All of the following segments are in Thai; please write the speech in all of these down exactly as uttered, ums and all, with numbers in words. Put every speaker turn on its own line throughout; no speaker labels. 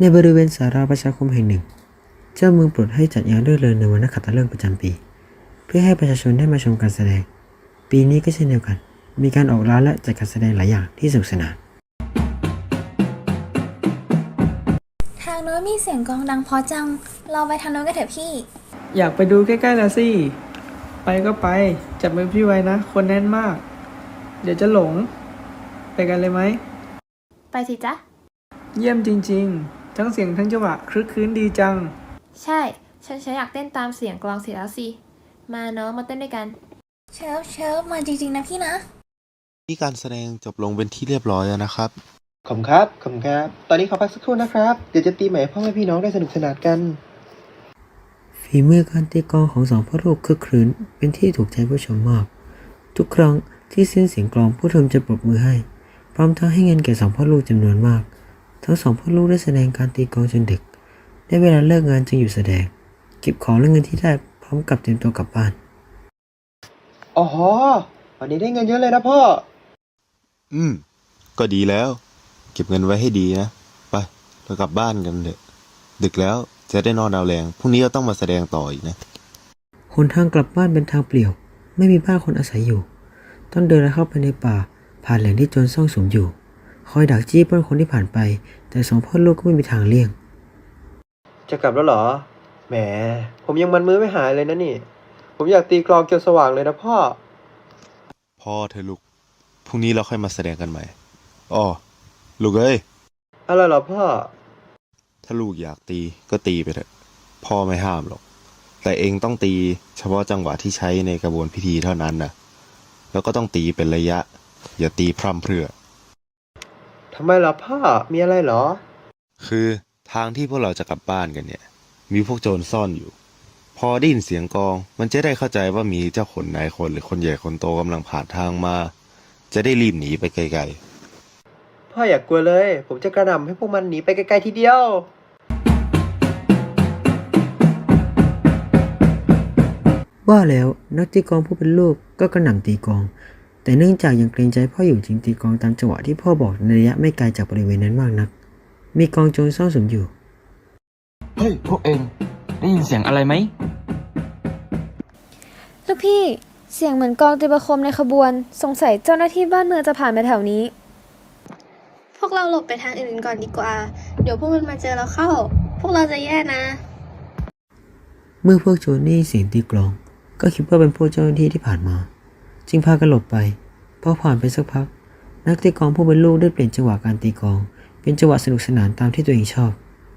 ในบริเวณศาลาประชาคมแห่งหนึ่งเจ้าเมืองโปรดให้จัดงานรื่นเริงในวันนักขัตฤกษ์ประจำปีเพื่อให้ประชาชนได้มาชมการแสดงปีนี้ก็เช่นเดียวกันมีการออกร้านและจัดการแสดงหลายอย่างที่สนุกสนาน
ทางโน้นมีเสียงกลองดังเพราะจังเราไปทางโน้นกันเถอะพี่
อยากไปดูใกล้ๆแล้วสิไปก็ไปจับมือพี่ไว้นะคนแน่นมากเดี๋ยวจะหลงไปกันเลยไหม
ไปสิจ๊ะ
เยี่ยมจริงๆทั้งเสียงทั้งจังหวะคลึกคลื้นดีจัง
ใช่ฉันฉันอยากเต้นตามเสียงกลองเสียแล้วสิมาเนาะมาเต้นด้วยกัน
เชิฟเชิฟมาจริงๆนะพี่นะ
ที่การแสดงจบลงเป็นที่เรียบร้อยแล้วนะครับ
ขอบคุณครับขอบคุณครับตอนนี้ขอพักสักครู่นะครับเดี๋ยวจะตีใหม่พ่อแม่พี่น้องได้สนุกสนานกัน
ฝีมือการตีกลองของสองพ่อลูกคึกครื้นเป็นที่ถูกใจผู้ชมมากทุกครั้งที่สิ้นเสียงกลองผู้ชมจะปรบมือให้พร้อมทั้งให้เงินแก่สองพ่อลูกจำนวนมากทั้งสองพ่อลูกได้แสดงการตีกลองจนดึกได้เวลาเลิกงานจึงหยุดแสดงเก็บของและเงินที่ได้พร้อมกับเตรียมตัวกลับบ้าน
อ๋อวันนี้ได้เงินเยอะเลยนะพ่อ
อืมก็ดีแล้วเก็บเงินไว้ให้ดีนะไปเรากลับบ้านกันเถอะดึกแล้วจะได้นอนเอาแรงพรุ่งนี้เราต้องมาแสดงต่ออีกนะ
หนทางกลับบ้านเป็นทางเปลี่ยวไม่มีบ้านคนอาศัยอยู่ต้องเดินเข้าไปในป่าผ่านแหล่งที่โจรซ่องสุมอยู่คอยดักจี้ปล้นคนที่ผ่านไปแต่สองพ่อลูกก็ไม่มีทางเลี่ยง
จะกลับแล้วเหรอแหมผมยังมันมือไม่หายเลยนะนี่ผมอยากตีกลองจนสว่างเลยนะพ่อ
พ่อเธอลูกพรุ่งนี้เราค่อยมาแสดงกันใหม่อ้อลูกเอ้ย
อะไรเหรอพ่อ
ถ้าลูกอยากตีก็ตีไปเถอะพ่อไม่ห้ามหรอกแต่เองต้องตีเฉพาะจังหวะที่ใช้ในกระบวนพิธีเท่านั้นนะแล้วก็ต้องตีเป็นระยะอย่าตีพร่ำเพรื่อ
ทำไมล่ะพ่อมีอะไรเหรอ
คือทางที่พวกเราจะกลับบ้านกันเนี่ยมีพวกโจรซ่อนอยู่พอได้ยินเสียงกลองมันจะได้เข้าใจว่ามีเจ้าขนนายคนหรือคนใหญ่คนโตกำลังผ่านทางมาจะได้รีบหนีไปไกล
ๆพ่ออย่ากกลัวเลยผมจะกระหน่ำให้พวกมันหนีไปไกลๆทีเดียว
ว่าแล้วนักตีกลองผู้เป็นลูกก็กระหน่ำตีกลองแต่เนื่องจากยังเกรงใจพ่ออยู่จึงตีกลองตามจังหวะที่พ่อบอกในระยะไม่ไกลจากบริเวณนั้นมากนักมีกลองโจรซ่อนสุมอยู่
เฮ้ยพวกเองได้ยินเสียงอะไรไหม
ลูกพี่เสียงเหมือนกลองตีประโคมในขบวนสงสัยเจ้าหน้าที่บ้านเมืองจะผ่านไปแถวนี้
พวกเราหลบไปทางอื่นก่อนดีกว่าเดี๋ยวพวกมันมาเจอเราเข้าพวกเราจะแย่นะ
เมื่อพวกโจรได้ยินเสียงตีกลองก็คิดว่าเป็นพวกเจ้าหน้าที่ที่ผ่านมาจึงพากันหลบไปพอผ่านไปสักพักนักตีกลองผู้เป็นลูกได้เปลี่ยนจังหวะการตีกลองเป็นจังหวะสนุกสนานตามที่ตัวเองชอบ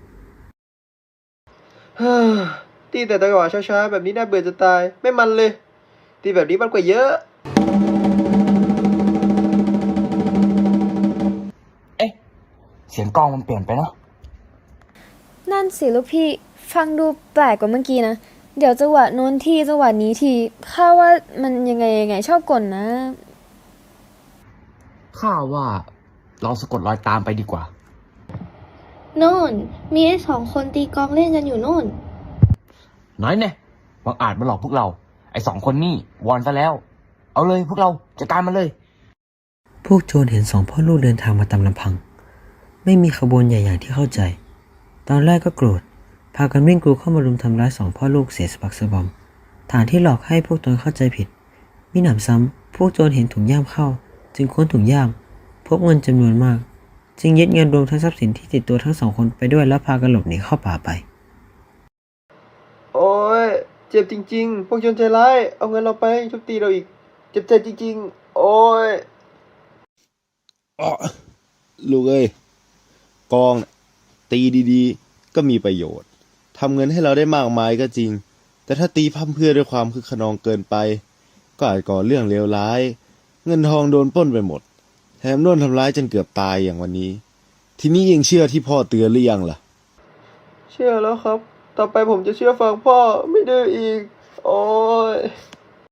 ฮ่าตีแต่จังหวะช้าๆแบบนี้น่าเบื่อจะตายไม่มันเลยตีแบบนี้มันกว่าเยอะ
เอ๊ะเสียงกลองมันเปลี่ยนไปเนาะ
นั่นสิลูกพี่ฟังดูแปลกกว่าเมื่อกี้นะเดี๋ยวจังหวะโน้นทีจังหวะนี้ทีข้าว่ามันยังไงยังไงชอบกลนะ
ข้าว่าเราสะกดรอยตามไปดีกว่า
โน่นมีไอ้สองคนตีกลองเล่นกันอยู่โน่น
น้อยแน่บังอาจมาหลอกพวกเราไอ้สองคนนี่วอนซะแล้วเอาเลยพวกเราจัดการมันเลย
พวกโจรเห็นสองพ่อลูกเดินทางมาตามลำพังไม่มีขบวนใหญ่อย่างที่เข้าใจตอนแรกก็โกรธพากันวิ่งกรูเข้ามารุมทำร้ายสองพ่อลูกเสียสะบักสะบอมฐานที่หลอกให้พวกตนเข้าใจผิดมิหนำซ้ำพวกโจรเห็นถุงย่ามเข้าจึงค้นถุงย่ามพบเงินจำนวนมากจึงยึดเงินรวมทั้งทรัพย์สินที่ติดตัวทั้งสองคนไปด้วยแล้วพากันหลบหนีเข้าป่าไป
โอ้ยเจ็บจริงๆพวกโจรใจร้ายเอาเงินเราไปทุบตีเราอีกเจ็บใจจริงๆโอ้ย
อ๋อลูกเอ้ยกองตีดีๆก็มีประโยชน์ทำเงินให้เราได้มากมายก็จริงแต่ถ้าตีพั่มเพรื่อด้วยความคึกขนองเกินไปก็อาจก่อเรื่องเลวร้ายเงินทองโดนปล้นไปหมดแถมโดนทำร้ายจนเกือบตายอย่างวันนี้ทีนี้ยังเชื่อที่พ่อเตือนหรือยังล่ะ
เชื่อแล้วครับต่อไปผมจะเชื่อฟังพ่อไม่ดื้ออีกโอ้ย